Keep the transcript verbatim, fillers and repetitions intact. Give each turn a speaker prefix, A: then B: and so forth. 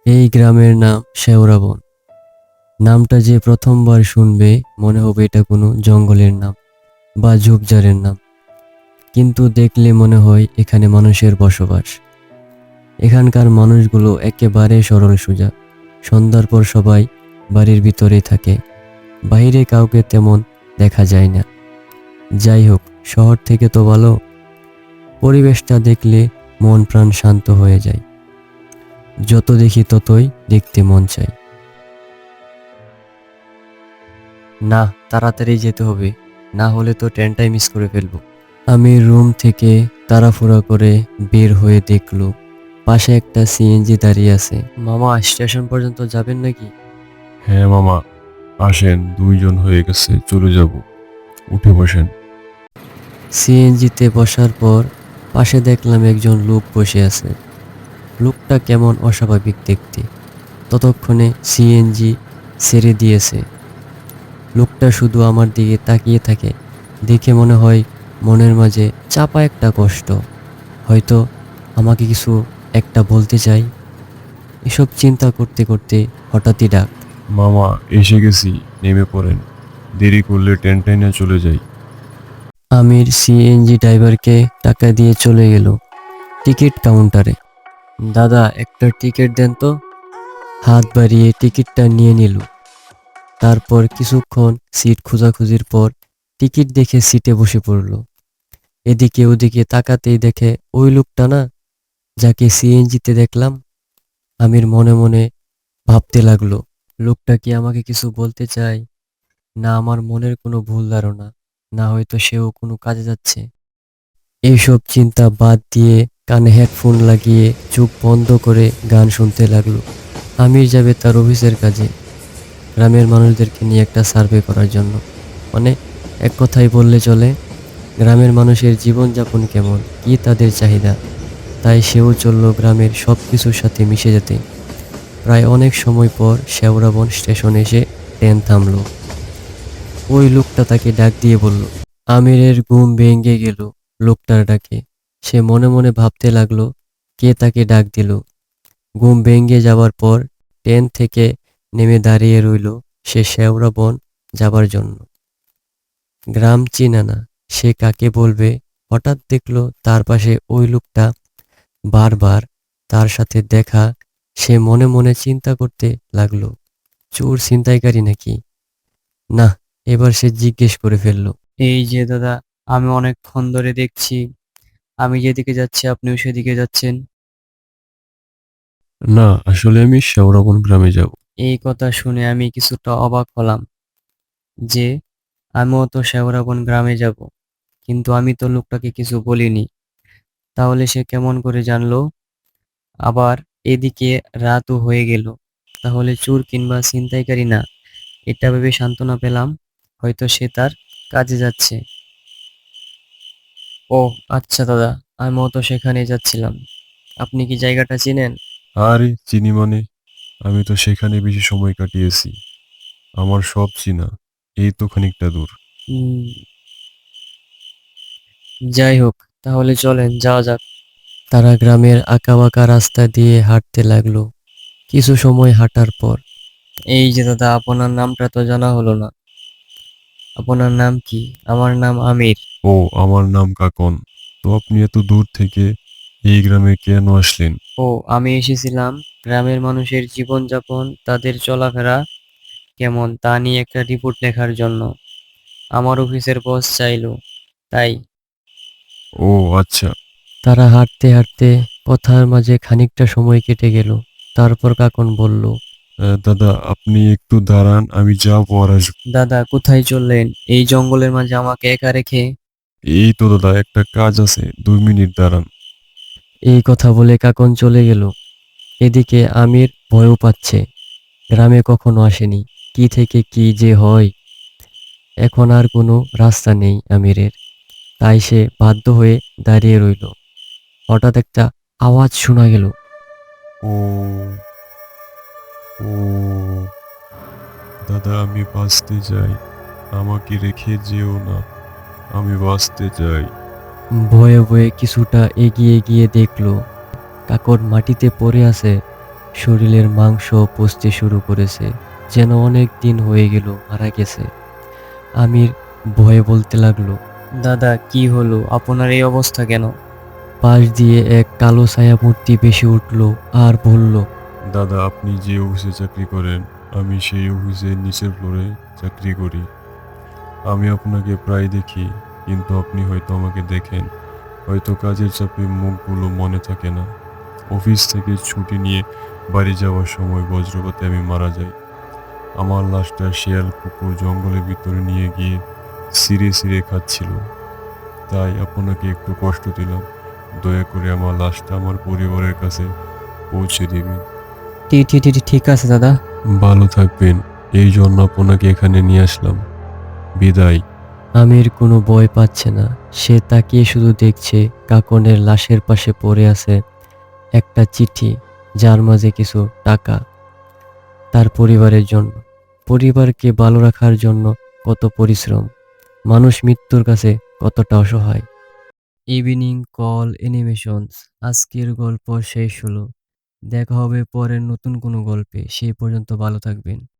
A: এই গ্রামের নাম শেওড়াবন। নামটা যে প্রথমবার শুনবে মনে হবে এটা কোনো জঙ্গলের নাম বা ঝোপঝাড়ের নাম, কিন্তু দেখলে মনে হয় এখানে মানুষের বসবাস। এখানকার মানুষগুলো একেবারে সরল সোজা। সন্ধ্যার পর সবাই বাড়ির ভিতরেই থাকে, বাইরে কাউকে তেমন দেখা যায় না। যাই হোক, শহর থেকে তো ভালো। পরিবেশটা দেখলে মন প্রাণ শান্ত হয়ে যায়। যত দেখি ততই দেখতে মন চায়। না, তাড়াতাড়ি যেতে হবে, না হলে তো ট্রেনটাই মিস করে ফেলবো। আমি রুম থেকে তাড়াহুড়া করে বের হয়ে দেখলো পাশে একটা সিএনজি দাঁড়িয়ে আছে। মামা, স্টেশন পর্যন্ত যাবেন নাকি?
B: হ্যাঁ মামা, আসেন, দুইজন হয়ে গেছে, চলে যাব। উঠে বসেন।
A: সিএনজিতে বসার পর পাশে দেখলাম একজন লোক বসে আছে। লোকটা কেমন অস্বাভাবিক দেখতে। ততক্ষণে সিএনজি ছেড়ে দিয়েছে। লোকটা শুধু আমার দিকে তাকিয়ে থাকে। দেখে মনে হয় মনের মাঝে চাপা একটা কষ্ট, হয়তো আমাকে কিছু একটা বলতে চাই। এসব চিন্তা করতে করতে হঠাৎই ডাক।
B: মামা, এসে গেছি, নেমে পড়েন। দেরি করলে ট্রেন টাইনে চলে যাই।
A: আমির সিএনজি ড্রাইভারকে টাকা দিয়ে চলে গেল টিকিট কাউন্টারে। দাদা, একটা টিকিট দেন তো। হাত বাড়িয়ে টিকিটটা নিয়ে নিল। তারপর কিছুক্ষণ সিট খোঁজাখুঁজির পর টিকিট দেখে সিটে বসে পড়ল। এদিকে ওদিকে তাকাতেই দেখে ওই লোকটা না, যাকে সিএনজিতে দেখলাম। আমির মনে মনে ভাবতে লাগলো, লোকটা কি আমাকে কিছু বলতে চায়, না আমার মনের কোনো ভুল ধারণা, না হয়তো সেও কোনো কাজে যাচ্ছে। এইসব চিন্তা বাদ দিয়ে কানে হেডফোন লাগিয়ে চোখ বন্ধ করে গান শুনতে লাগলো। আমির যাবে তার অফিসের কাজে, গ্রামের মানুষদেরকে নিয়ে একটা সার্ভে করার জন্য। মানে, এক কথায় বললে চলে, গ্রামের মানুষের জীবনযাপন কেমন, কি তাদের চাহিদা। তাই সেও চলল গ্রামের সব কিছুর সাথে মিশে যেতে। প্রায় অনেক সময় পর শেওড়াবন স্টেশনে এসে ট্রেন থামলো। ওই লোকটা তাকে ডাক দিয়ে বলল। আমিরের ঘুম ভেঙে গেল লোকটার ডাকে। সে মনে মনে ভাবতে লাগলো, কে তাকে ডাক দিল। ঘুম ভেঙে যাওয়ার পর ট্রেন থেকে নেমে দাঁড়িয়ে রইল সে শেওড়াবন যাবার জন্য। গ্রাম চিনে না, সে কাকে বলবে। হঠাৎ দেখলো তার পাশে ওই লোকটা, বারবার তার সাথে দেখা। সে মনে মনে চিন্তা করতে লাগলো, চোর ছিনতাইকারী নাকি। না, এবার সে জিজ্ঞেস করে ফেললো।
C: এই যে দাদা, আমি অনেকক্ষণ ধরে দেখছি আমি যেদিকে যাচ্ছি আপনিও সেদিকে যাচ্ছেন।
B: না, আসলে আমি শেওড়াবন গ্রামে যাব।
C: এই কথা শুনে আমি কিছুটা অবাক হলাম যে আমিও তো শেওড়াবন গ্রামে যাব, কিন্তু আমি তো লোকটাকে কিছু বলিনি। তাহলে সে কেমন করে জানলো? আবার এদিকে রাতও হয়ে গেল, তাহলে চোর কিংবা ছিনতাইকারী না, এটা ভেবে সান্ত্বনা পেলাম, হয়তো সে তার কাজে যাচ্ছে। ও আচ্ছা দাদা, আমিও তো সেখানে যাচ্ছিলাম। আপনি কি জায়গাটা চিনেন?
B: আরে চিনি মানে, আমি তো সেখানে বেশি সময় কাটিয়েছি। আমার সব চিনা। এই তো খানিকটা দূর।
C: হুম, যাই হোক, তাহলে চলেন যাওয়া যাক।
A: তারা গ্রামের আঁকাবাঁকা রাস্তা দিয়ে হাঁটতে লাগলো। কিছু সময় হাঁটার পর,
C: এই যে দাদা, আপনার নামটা তো জানা হলো না। আপনার নাম কি? আমার নাম আমির।
B: ও, আমার নাম কাকন। তো আপনি এত দূর থেকে এই গ্রামে কেন আসলেন?
C: ও, আমি এসেছিলাম গ্রামের মানুষের জীবনযাপন, তাদের চলাফেরা কেমন তা নিয়ে একটা রিপোর্ট লেখার জন্য। আমার অফিসের বস চাইলো, তাই।
B: ও আচ্ছা।
A: তারা হাঁটতে হাঁটতে কথার মাঝে খানিকটা সময় কেটে গেল। তারপর কাকন বলল।
B: আহ, দাদা, আপনি একটু দাঁড়ান, আমি যাবো আর আসবো।
C: দাদা, কোথায় চললেন এই জঙ্গলের মাঝে আমাকে একা রেখে?
B: এই তো দাদা, একটা কাজ আছে, দুই মিনিট দাঁড়ান।
A: এই কথা বলে কাকন চলে গেল। এদিকে আমির ভয়ও পাচ্ছে, গ্রামে কখনো আসেনি, কি থেকে কি যে হয়। এখন আর কোনো রাস্তা নেই আমিরের। তাই সে বাধ্য হয়ে দাঁড়িয়ে রইল। হঠাৎ একটা আওয়াজ শোনা গেল।
B: ও, ও দাদা, আমি বাঁচতে চাই, আমাকে রেখে যেও না, আমি বাঁচতে চাই।
A: ভয়ে ভয়ে কিছুটা এগিয়ে গিয়ে দেখলো কাকন মাটিতে পড়ে আছে, শরীরের মাংস পচতে শুরু করেছে, যেন অনেক দিন হয়ে গেল মারা গেছে। আমির ভয়ে বলতে লাগলো।
C: দাদা, কি হলো? আপনার এই অবস্থা কেন?
A: পাশ দিয়ে এক কালো ছায়া মূর্তি ভেসে উঠল আর বলল,
B: দাদা, আপনি যে অফিসে চাকরি করেন, আমি সেই অফিসের নিচের ফ্লোরে চাকরি করি। আমি আপনাকে প্রায় দেখি, কিন্তু আপনি হয়তো আমাকে দেখেন, হয়তো কাজের চাপে মুখগুলো মনে থাকে না। অফিস থেকে ছুটি নিয়ে বাড়ি যাওয়ার সময় বজ্রপাতে আমি মারা যাই। আমার লাশটা শিয়াল কুকুর জঙ্গলের ভিতরে নিয়ে গিয়ে ছিঁড়ে ছিঁড়ে খাচ্ছিল। তাই আপনাকে একটু কষ্ট দিলাম। দয়া করে আমার লাশটা আমার পরিবারের কাছে পৌঁছে দিবেন।
C: ঠিক ঠিক ঠিক ঠিক আছে দাদা।
B: ভালো থাকবেন। এই জন্য আপনাকে এখানে নিয়ে আসলাম। বিদায়।
A: আমির কোনো ভয় পাচ্ছে না। সে তাকিয়ে শুধু দেখছে কাকনের লাশের পাশে পড়ে আছে একটা চিঠি, যার মাঝে কিছু টাকা তার পরিবারের জন্য। পরিবারকে ভালো রাখার জন্য কত পরিশ্রম, মানুষ মৃত্যুর কাছে কতটা অসহায়। ইভিনিং কল অ্যানিমেশনস আজকের গল্প শেষ হলো। দেখা হবে পরের নতুন কোনো গল্পে। সেই পর্যন্ত ভালো থাকবেন।